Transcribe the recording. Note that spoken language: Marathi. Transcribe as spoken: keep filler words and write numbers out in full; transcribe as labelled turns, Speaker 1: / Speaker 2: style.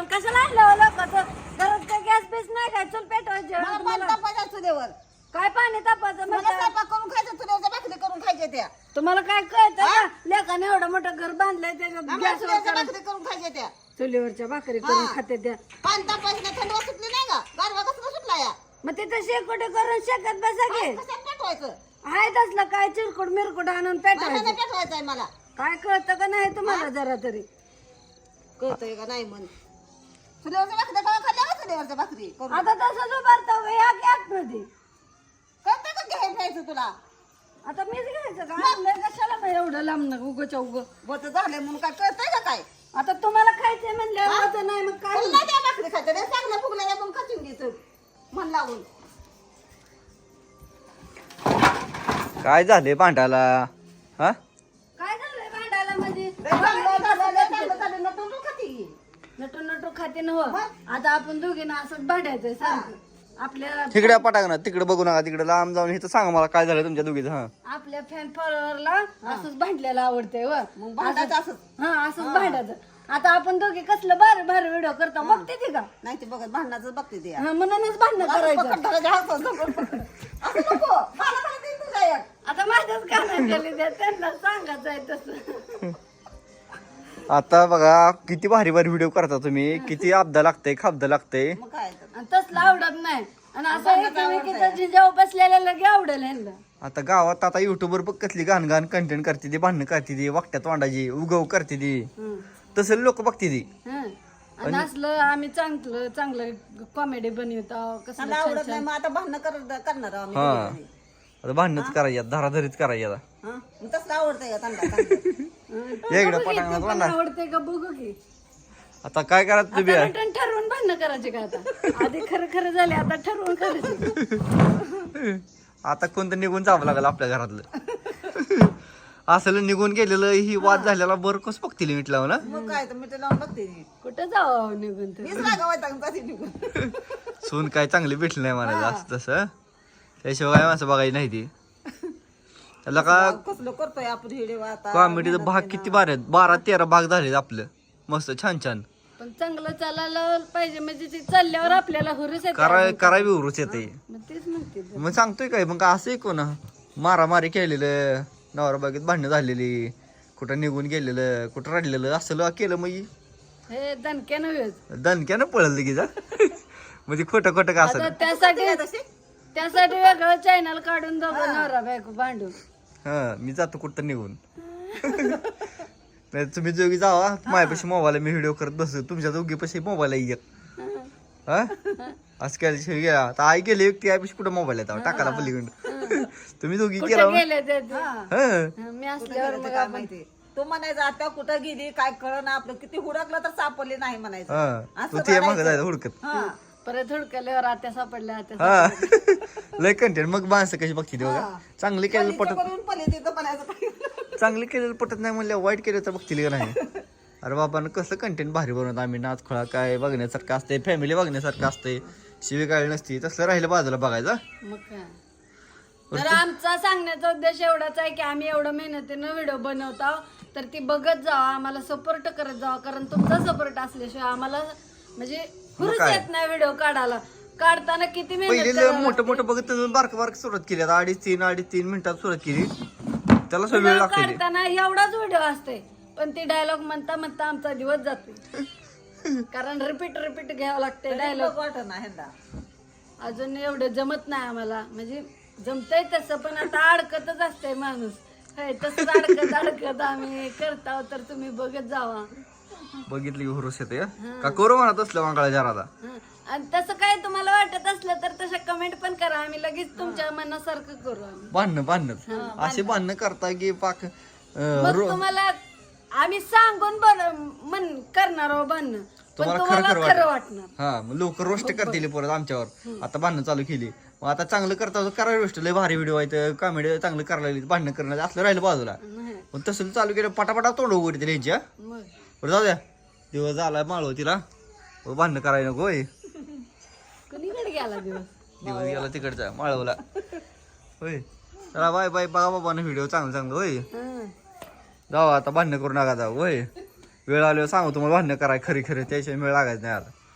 Speaker 1: कशाला आणलं लोकांचं घरात काय गॅस बीस नाही काय चूल पेटवायचे
Speaker 2: मला तापायचं चुलीवर
Speaker 1: काय पाणी तापायचं
Speaker 2: मला
Speaker 1: म्हणजे
Speaker 2: स्वयंपाक करून खायचं चुलीवरच्या भाकरी करून खायच्या त्या
Speaker 1: तुम्हाला काय कळतं का लेकाने एवढं मोठं घर बांधलंय त्याच्यात
Speaker 2: आम्हाला
Speaker 1: गॅसवर
Speaker 2: चुलीवरच्या
Speaker 1: करून-
Speaker 2: भाकरी करून खायच्या त्या
Speaker 1: चुलीवरच्या भाकरी करून खाते त्या
Speaker 2: पाणी तापायचं नाही थंडवा सुटली नाही का गारवा कसला सुटला या
Speaker 1: मग तिथं शेकोटे करून शेकत बसा घे
Speaker 2: कशात पेटवायचं
Speaker 1: आहे तसलं काय चिरकुट मिरकुट आणून
Speaker 2: मला
Speaker 1: पेटवायचं
Speaker 2: नाही पेटवायचं आहे मला
Speaker 1: काय कळतं का नाही तुम्हाला जरा तरी
Speaker 2: कळतंय का नाही म्हण चुलीवरच्या भाकरी करून खाल्ल्या का चुलीवरच्या भाकरी करून
Speaker 1: आता तसंच उभारतो या गॅस मध्ये
Speaker 2: कळतंय का घ्यायला प्यायचं तुला
Speaker 1: आता मीच घ्यायचं का आणलंय कशाला मग एवढं लांब उगच्या उग
Speaker 2: बत झाले म्हणून काय कळतंय का काय
Speaker 1: आता तुम्हाला खायचंय म्हणलं माझं नाही मग काय
Speaker 2: तुला त्या भाकरी खायचं रे चांगलं फुगल्या पण खाचून घ्यायचं मन लावून
Speaker 3: काय झाले भांडाला हा
Speaker 1: काय झालंय भांडायला म्हणजे
Speaker 2: लय चांगलं झालं, लय चांगलं झालं, नटून तू खाती.
Speaker 1: नटू नटू खाते न हो आता आपण दोघींना असंच भांडायचंय सारखं आपल्या
Speaker 3: तिकडे पटाक ना तिकडे बघू नका तिकडे लांब जाऊन हे तर सांगा मला काय झालं तुमच्या दोघीचं हा
Speaker 1: आपल्या फॅन फॉलोअरला असंच भांडलेलं आवडतंय व
Speaker 2: मग भांडायचं असं
Speaker 1: हा असंच भांडायचं आता आपण दोघी कसलं भारी भारी व्हिडिओ करतो बघते ती का
Speaker 2: नाही ते बघत भांडणाचं बघते ते
Speaker 1: हा, म्हणूनच भांडणं करायचं
Speaker 2: पकड धरायचं, हात पकड, पकड. असं नको मला मला दे तुझा एक.
Speaker 1: आता माझ्याच कानात गेली त्या त्यांना सांगायचं आहे तसं
Speaker 3: आता बघा किती भारी भारी व्हिडिओ करता तुम्ही किती अब्दा लागतंय खाबदा लागतंय
Speaker 2: मग काय तर.
Speaker 1: आणि तसलं आवडत नाही आणि असं एकमेकीचं जिजाऊ बसलेल्या लगे आवडेल ह्यांना
Speaker 3: आता गावात आता युट्यूबवर बघ कसली घाण घाण कंटेंट करते ती भांडणं करते ती वाकट्यात वांडायची उगव करते ती
Speaker 1: हं.
Speaker 3: तसं लोक बघते ती
Speaker 1: हं. आणि असलं आम्ही चांगलं चांगलं कॉमेडी बनवतो कसं
Speaker 2: मला आवडत नाही मग आता भांडणं कर- करणार आहोत आम्ही
Speaker 3: हा
Speaker 2: दोघी जणी.
Speaker 3: आता भांडणंच करायची धाराधारीच करायची आता
Speaker 2: हा? मग तसलं आवडतंय का त्यांना चांगलं?
Speaker 3: या इकडे पटांगणात वांडा
Speaker 1: आवडते का बघू की
Speaker 3: आता काय करायचं तुम्ही
Speaker 1: आता return ठरवून भांडणं करायचे का आता आधी खरं खरं झाले आता ठरवून करायचे
Speaker 3: आता कोणतं निघून जावं लागलं आपल्या घरातलं असलं निघून गेलेलं ही वाद झालेला बरं कसं बघतील मिटला ना
Speaker 2: मग काय तर मी ते लावून बघते ती.
Speaker 1: कुठं जावं निघून तर
Speaker 2: मीच रागावायचा का ती निघून
Speaker 3: सून काय चांगली भेटली नाही म्हणायचं असं तसं त्याशिवाय काय माणसं बघायची नाही ती त्याला का
Speaker 2: कसलं करतोय आपण व्हिडिओ आता
Speaker 3: कॉमेडीचा भाग किती बारा आहेत बारा तेरा भाग झाले आपलं मस्त छान छान
Speaker 1: पण चांगलं चालायला पाहिजे म्हणजे ते चालल्यावर आपल्याला हुरूस येते
Speaker 3: कराय करावी उरूच येते
Speaker 1: मग तेच म्हणते ते.
Speaker 3: मग सांगतोय काय मग असं आहे कोण मारामारी केलेलं नवरा बागेत भांडणं झालेली कुठं निघून गेलेलं कुठं रडलेलं असं केलं मग
Speaker 1: हे दणक्यानं वेळ
Speaker 3: दणक्यानं पळलं की जा म्हणजे खोटं खोटं का असं
Speaker 1: आता त्यासाठी त्यासाठी वेगळं चॅनल काढून दोघं नवरा बायको भांडून
Speaker 3: हा मी जातो कुठं निघून नाही तुम्ही दोघी जावा माझ्यापाशी मोबाईल मी व्हिडिओ करत बसतो तुमच्या दोघीपाशी मोबाईल एक हा असं केल्याशिवाय गेला आता आई गेली व्यक्ती आईपाशी कुठं मोबाईल येतात टाकाला पलीकडं तुम्ही दोघी
Speaker 1: कुठे
Speaker 3: केला
Speaker 1: गेले ते ते?
Speaker 3: हा
Speaker 1: मी असल्यावर मग
Speaker 2: काय माहिती तो म्हणायचं आता कुठं गेली काय कळ ना आपलं किती हुडकलं तर सापडले नाही म्हणायचं
Speaker 3: हा
Speaker 2: असं
Speaker 3: तू ते मागं जायचं हुडकत
Speaker 2: हा
Speaker 1: परत हुडकल्यावर आत्या सापडल्या आत्या
Speaker 3: हा लय कंटेंट मग माणसं कशी बघते ते बघा चांगली केलेलं पटत
Speaker 2: करून पले तिथं म्हणायचं
Speaker 3: चांगली केलेलं पटत नाही म्हणलं वाईट केलं तर बघतील का नाही अरे बाबा कसं कंटेंट भारी बनवत आम्ही नाच खोळा काय बघण्यासारखं असते फॅमिली बघण्यासारखं असते शिवी काय नसती तसलं राहिलं बाजूला बघायचं
Speaker 1: मग काय तर आमचा सांगण्याचा उद्देश एवढाच आहे की आम्ही एवढं मेहनतीनं व्हिडिओ बनवतो तर ती बघत जावा आम्हाला सपोर्ट करत जावा कारण तुमचा सपोर्ट असल्याशिवाय आम्हाला म्हणजे हुरूच येत नाही व्हिडिओ काढायला काढताना किती मेहनत
Speaker 3: पहिले मोठं मोठं बघत बारक बारक सुरुवात केली आता अडीच तीन अडीच तीन मिनिटात सुरुवात केली त्याला सगळं वेळ लागते
Speaker 1: काढताना एवढाच व्हिडिओ असते पण ती डायलॉग म्हणता म्हणता आमचा दिवस जातो कारण रिपीट रिपीट घ्यावं लागते डायलॉग
Speaker 2: वाटत ना ह्यांना
Speaker 1: अजून एवढं जमत नाही आम्हाला म्हणजे जमतंय तसं पण आता अडकतच असतंय माणूस हे तसंच अडकत अडकत आम्ही करताव तर तुम्ही बघत जावा
Speaker 3: बघितली की हुरूस येते का करू म्हणत असलं वांगाळा जरादा
Speaker 1: हं. आणि तसं काय तुम्हाला वाटत असलं तर तशा कमेंट पण करा आम्ही लगेच तुमच्या मनासारखं करू आम्ही
Speaker 3: बांधणं बांधणं असे बांधणं करता की पाक अं,
Speaker 1: मग
Speaker 3: रो-
Speaker 1: तुम्हाला आम्ही सांगून बन मन करणार आहो बांधणं पण
Speaker 3: तुम्हाला
Speaker 1: तुम्हाला
Speaker 3: खरं खरं
Speaker 1: खरं
Speaker 3: वाटतं.
Speaker 1: वाटणार
Speaker 3: हा मग लोक रोस्ट करतील परत आमच्यावर आता बांधणं चालू केली मग आता चांगलं करता करा रोस्ट लय भारी व्हिडिओ आहेत कॉमेडी चांगलं करायला लागली भांडणं करणं असलं राहिलं बाजूला
Speaker 1: नाही.
Speaker 3: पण तसं चालू केलं पटापटा तोंड उघडते त्यांची हा
Speaker 1: मग
Speaker 3: बरं जाऊ द्या दिवस झाला माळव तिला मग भांडणं करायला नको होय
Speaker 1: कुणीकडे गेला दिवस
Speaker 3: दिवस गेला तिकडचा माळवला होय चला बाय बाय बघा बाबा व्हिडिओ चांगलं चांगलं होय
Speaker 1: हं.
Speaker 3: जाऊ आता भांडणं करू नका जाऊ होय वेळ आल्यावर सांगू तुम्हाला भांडणं कराय खरी खरी त्याशिवाय वेळ लागायचं नाही आता